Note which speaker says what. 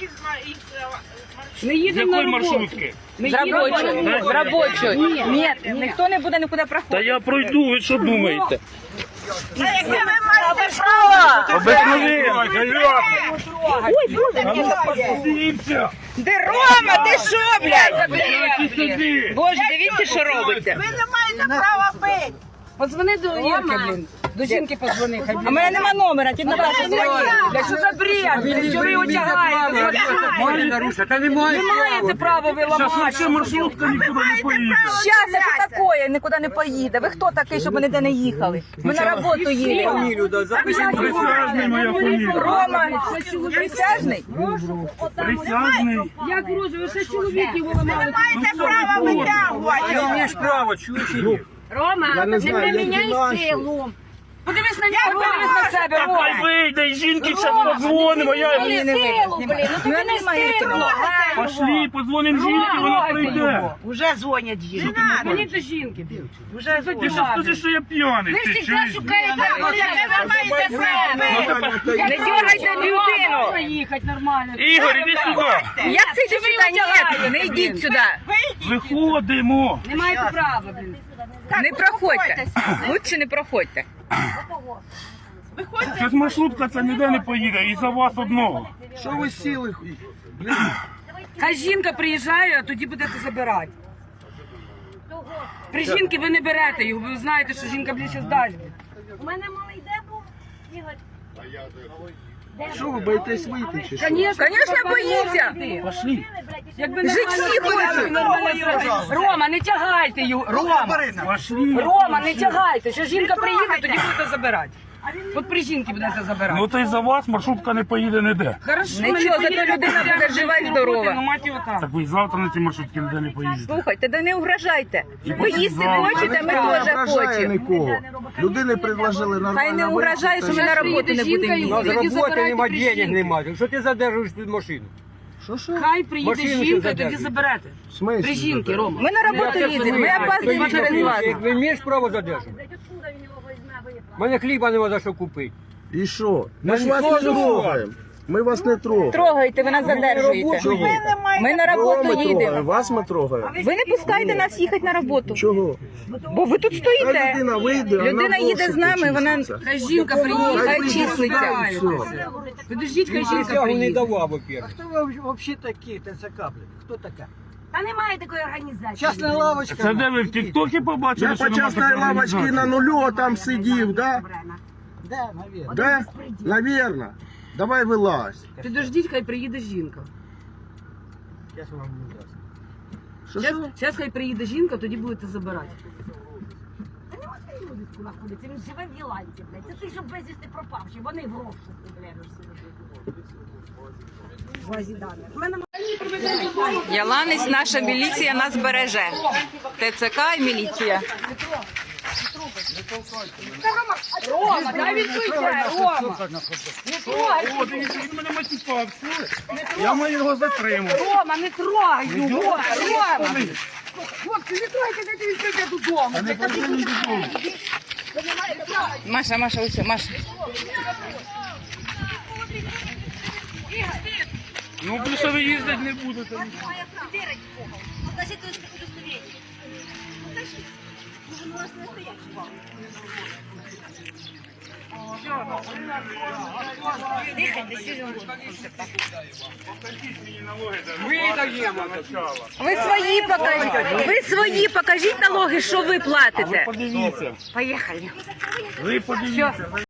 Speaker 1: Ми їдемо на роботу.
Speaker 2: маршрутки?
Speaker 1: Ми
Speaker 3: З
Speaker 1: їдемо на
Speaker 3: робочої.
Speaker 1: роботу.
Speaker 3: З робочої. Ні, ніхто не буде нікуди
Speaker 2: Та
Speaker 3: проходити.
Speaker 2: я пройду, ви що думаєте?
Speaker 3: Яке ви маєте право?
Speaker 2: Обикновенно.
Speaker 3: Де Рома, ти що, блядь?
Speaker 2: Сюди.
Speaker 3: Боже, дивіться, що робиться.
Speaker 4: Ви не маєте права пити.
Speaker 1: Подзвони до Ірки, блін. До жінки подзвони. Хай
Speaker 3: А в мене нема номера, ти на вашу дзвонила.
Speaker 1: Блядь, що за бред? Що ви його тягаєте?
Speaker 5: Можна нарушити, та немає.
Speaker 1: Не маєте права ви
Speaker 2: Зараз
Speaker 1: ламати.
Speaker 2: вообще маршрутка нікуди не поїде.
Speaker 3: Щас, це що таке? Нікуди не поїде. Ви хто такий, щоб ми ніде не їхали? Ми на роботу їдемо.
Speaker 5: Фамілію, да, запишіть.
Speaker 2: Присяжний моя фамілія.
Speaker 3: Рома, присяжний?
Speaker 2: Присяжний.
Speaker 1: Як грузу, ви ще чоловіків виламали.
Speaker 4: Маєте право витягувати.
Speaker 5: Ти маєш право, чуєш чи ні?
Speaker 1: Рома, не приміняй силу. Подивись на нього, подивись на себе,
Speaker 2: Хай
Speaker 1: Рома.
Speaker 2: вийде, і жінки зараз подзвонимо. Я...
Speaker 3: Ні, не
Speaker 1: Силу,
Speaker 3: вийде.
Speaker 1: блін, ну тобі не стидно.
Speaker 2: Пошли, подзвонимо жінки, вона прийде.
Speaker 4: Уже дзвонять жінки.
Speaker 1: Мені до жінки.
Speaker 4: Уже
Speaker 2: Ти що скажи, що я п'яний?
Speaker 1: Ви
Speaker 2: Ти
Speaker 1: завжди
Speaker 2: чуєш?
Speaker 1: шукаєте,
Speaker 4: Яке ви маєте право?
Speaker 3: Не дергайте людину.
Speaker 1: Можна їхати нормально.
Speaker 2: Ігор, іди сюди.
Speaker 3: Як це йди сюди? Ні, не йдіть сюди.
Speaker 2: Виходимо.
Speaker 1: Не маєте права, блін.
Speaker 3: Не проходьте. Лучше не проходьте.
Speaker 2: Щось маршрутка це ніде не поїде, і за вас одного.
Speaker 5: Що ви сіли?
Speaker 1: Хай жінка приїжджає, а тоді будете забирати. При жінки ви не берете його, ви знаєте, що жінка більше здасть.
Speaker 6: У мене малий де був, Ігор?
Speaker 5: Що ви боїтесь вийти чи що?
Speaker 1: Звісно,
Speaker 3: боїться.
Speaker 2: Пошли.
Speaker 1: Якби
Speaker 3: Жить всі хочуть.
Speaker 1: Рома, не тягайте його. Рома,
Speaker 2: Пошли.
Speaker 1: Рома, не тягайте. Що жінка приїде, тоді будете забирати. От при жінки будете забирати.
Speaker 2: Ну то й за вас маршрутка не поїде ніде.
Speaker 1: Хорошо,
Speaker 3: Нічого,
Speaker 1: ми не
Speaker 3: зато
Speaker 1: поїдемо,
Speaker 3: людина
Speaker 1: будемо
Speaker 3: буде жива і
Speaker 1: роботи,
Speaker 3: здорова.
Speaker 1: Ну, мать його там.
Speaker 2: Так ви і завтра на ці маршрутки ніде не поїдете.
Speaker 3: Слухайте, да не угрожайте. Ви
Speaker 2: потім
Speaker 3: їсти
Speaker 2: завтра.
Speaker 3: хочете, ми
Speaker 5: Не
Speaker 3: теж
Speaker 5: ображає
Speaker 3: хочемо.
Speaker 5: нікого. Людини предложили нормально.
Speaker 3: Хай не угрожає, що ми на
Speaker 1: Щас
Speaker 3: роботу
Speaker 1: приїде
Speaker 3: не будемо
Speaker 1: жінка і
Speaker 5: На
Speaker 3: їздити.
Speaker 5: роботи
Speaker 1: забирайте
Speaker 5: нема
Speaker 1: при
Speaker 5: денег,
Speaker 1: жінці.
Speaker 5: немає. Що ти задержуєш під машину? Що?
Speaker 1: Хай приїде
Speaker 5: Машину
Speaker 1: жінка,
Speaker 5: ще
Speaker 1: і тоді
Speaker 5: задержують.
Speaker 1: заберете.
Speaker 5: В смислі
Speaker 1: При жінки,
Speaker 5: задержують?
Speaker 1: Рома.
Speaker 3: Ми на роботу їдемо, ми опаздуємо через вас.
Speaker 5: Як ви маєш право задержати?
Speaker 6: Откуда він його візьме, виїхав?
Speaker 5: У мене хліба нема за що купити.
Speaker 7: І що? Ми ж
Speaker 5: Та
Speaker 7: вас
Speaker 5: ніхто
Speaker 7: не
Speaker 5: не
Speaker 7: трогаємо. Ми вас не трогаємо.
Speaker 3: Трогайте, ви нас задержуєте.
Speaker 5: Чого?
Speaker 3: Ми на
Speaker 7: Кого
Speaker 3: роботу
Speaker 7: ми трогаємо?
Speaker 3: їдемо.
Speaker 7: Вас ми трогаємо.
Speaker 3: Ви не пускаєте нас їхати на роботу.
Speaker 7: Чого?
Speaker 3: Бо ви тут
Speaker 7: Та
Speaker 3: стоїте.
Speaker 7: людина вийде, а
Speaker 3: Людина
Speaker 7: на
Speaker 3: їде з нами, вона
Speaker 7: числиться.
Speaker 1: Хай жінка приїде,
Speaker 3: Хай
Speaker 1: хай
Speaker 3: числиться.
Speaker 1: числиться. Подождіть, хай жінка
Speaker 5: Присягу не
Speaker 1: приїде.
Speaker 5: давав, во-первых.
Speaker 8: Кто вы вообще такие, ТЦК, блин? Кто такая?
Speaker 6: Та немає такої організації.
Speaker 8: Частная лавочка.
Speaker 2: Це де ви в Тіктокі побачили,
Speaker 7: Я
Speaker 2: що
Speaker 7: по
Speaker 2: нема
Speaker 7: частной
Speaker 2: такої
Speaker 7: лавочке
Speaker 2: організації?
Speaker 7: на нулю там сидів, да?
Speaker 8: Да, наверное.
Speaker 7: Да? Наверно. Давай вилазь.
Speaker 1: Підождіть, хай приїде жінка.
Speaker 8: Сейчас вам не даст.
Speaker 7: Що?
Speaker 1: Зараз хай приїде жінка, тоді будете забирати.
Speaker 6: Та нема своєї вулиці знаходиться, він живе в Єланці, блядь. Це ти, що безвісти пропавши, вони в розшуку, блядь.
Speaker 3: Яланець, наша міліція нас береже. ТЦК і міліція.
Speaker 1: Рома, дай відкрийте, Рома.
Speaker 2: О, дивіться, він мене матюкав, чули? Я маю його затримати.
Speaker 1: Рома, не трогай його, Рома. Хлопці, не трогайте, дайте відкрийте додому.
Speaker 3: Маша, ось, Маша.
Speaker 2: Ну, більше ви їздити не будете.
Speaker 6: Покажіть удостоверення. Покажіть. Може, у нас не стоять.
Speaker 3: Ви свої покажіть. Ви свої покажіть налоги, що ви платите.
Speaker 2: Подивіться.
Speaker 3: Поїхали.
Speaker 2: Ви подивіться.